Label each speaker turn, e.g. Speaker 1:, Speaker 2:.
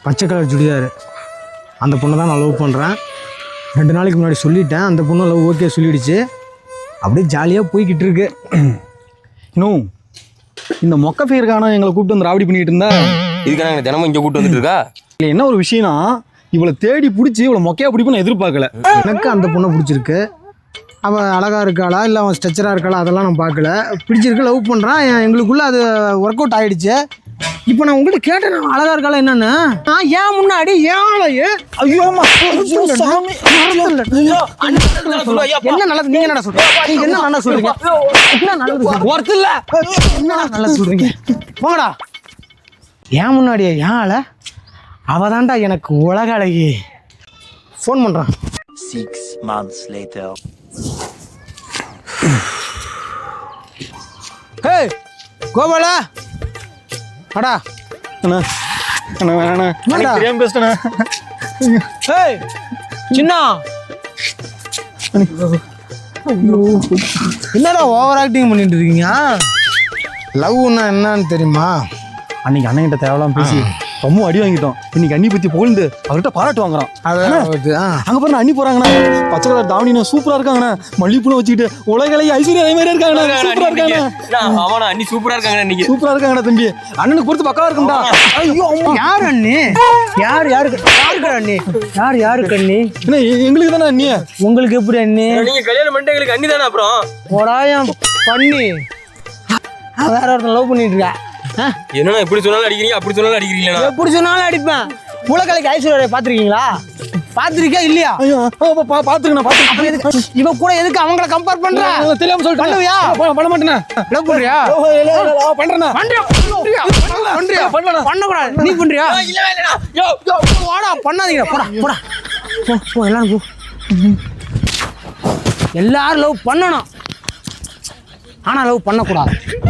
Speaker 1: பச்சை கலர் சுடிதார். அந்த பொண்ணை தான் நான் லவ் பண்ணுறேன். 2 நாளைக்கு முன்னாடி சொல்லிட்டேன். அந்த பொண்ணு லவ் ஓகே சொல்லிடுச்சு. அப்படியே ஜாலியாக போய்கிட்டு இருக்கு.
Speaker 2: இன்னும் இந்த மொக்க ஃபேருக்கான எங்களை கூப்பிட்டு வந்து ராவடி பண்ணிட்டு இருந்தா
Speaker 3: இதுக்கான எனக்கு தினமும் இங்கே கூப்பிட்டு வந்துட்டு இருக்கா?
Speaker 2: இல்லை என்ன ஒரு விஷயம்னா இவளை தேடி பிடிச்சி இவளை மொக்கையா பிடிப்புன்னு எதிர்பார்க்கல.
Speaker 1: எனக்கு அந்த பொண்ணை பிடிச்சிருக்கு. அவள் அழகாக இருக்காளா இல்லை அவன் ஸ்ட்ரெச்சராக இருக்காளா அதெல்லாம் நான் பார்க்கல. பிடிச்சிருக்கு, லவ் பண்ணுறான். எங்களுக்குள்ளே அது ஒர்க் அவுட் ஆகிடுச்சு. இப்போ நான் உங்கள்கிட்ட கேட்டேன், நான் அழகாக இருக்காளா என்னன்னு. நான் ஏன் முன்னாடி ஏழையே என்ன நல்லது நீங்க என்ன சொல்றீங்க? நீங்க என்ன நல்லா சொல்றீங்க? என்ன நல்லது ஒர்த் இல்ல என்ன நல்லா சொல்றீங்க? போங்கடா. ஏன் முன்னாடியே ஏழை அவதான்டா எனக்கு உலக அழகி. ஃபோன் பண்றான்.
Speaker 4: 6 months later.
Speaker 1: ஹே கோபாலா அடா.
Speaker 2: அண்ணா அண்ணா வேணாண்ணா, எனக்கு தெரியாம பேசிட்டேண்ணா.
Speaker 1: ஹே சின்னா, என்னடா ஓவர் ஆக்டிங் பண்ணிட்டு இருக்கீங்க? லவ்னா என்னன்னு தெரியுமா?
Speaker 2: அன்னைக்கு அண்ணன்கிட்ட தேவலாம் பேசி ரொம்ப அடி வாங்கிட்டோம். இன்னைக்கு அண்ணி பத்தி புகழ்ந்து அவர்கிட்ட பாராட்டு வாங்குறோம். அங்க பாருங்க அண்ணி போறாங்கண்ணா, பச்சை கலர் தாவணினா சூப்பரா இருக்காங்கண்ணா, மல்லிப்பூல வச்சுக்கிட்டு உலகலை ஐஸ்வர்யா அதே மாதிரி இருக்காங்கண்ணா. சூப்பரா இருக்காங்கண்ணா.
Speaker 3: ஆமாண்ணா, அண்ணி சூப்பரா இருக்காங்க. இன்னைக்கு
Speaker 2: சூப்பரா இருக்காங்கண்ணா தம்பி. அண்ணனுக்கு பொறுத்து பக்கவா இருக்கும்டா.
Speaker 1: ஐயோ யார் அண்ணி? யாருக்கு அண்ணி? யாருக்கு அண்ணி?
Speaker 2: என்ன எங்களுக்கு தானே அண்ணி?
Speaker 1: உங்களுக்கு எப்படி அண்ணி?
Speaker 3: நீங்க கல்யாணம் பண்ணிட்டு எங்களுக்கு அண்ணி தானே. அப்புறம்
Speaker 1: போடாயம் பண்ணி வேற ஒருத்தன் லவ் பண்ணிட்டு இருக்கா.
Speaker 3: என்னன்னா இப்படி சொன்னாலும் அடிக்கிறீங்க, அப்படி சொன்னாலும் அடிக்கிறீங்களா?
Speaker 1: எப்படி சொன்னாலும் அடிப்பேன். உலகலைக்கு ஐஸ்வர்யா பாத்திருக்கீங்களா? பாத்திருக்கா இல்லையா?
Speaker 2: பாத்துருக்கேன்.
Speaker 1: இவ கூட எதுக்கு அவங்கள கம்பேர் பண்ற?
Speaker 2: தெரியாம சொல்லிட்டு
Speaker 1: பண்ணுவியா?
Speaker 2: பண்ண மாட்டேனா?
Speaker 1: லவ் பண்றியா?
Speaker 2: பண்றேனா?
Speaker 1: பண்ணக்கூடாது. நீ பண்றியா? போடா, பண்ணாதீங்க. போடா போ எல்லாரும் போ. எல்லாரும் லவ் பண்ணணும், ஆனா லவ் பண்ணக்கூடாது.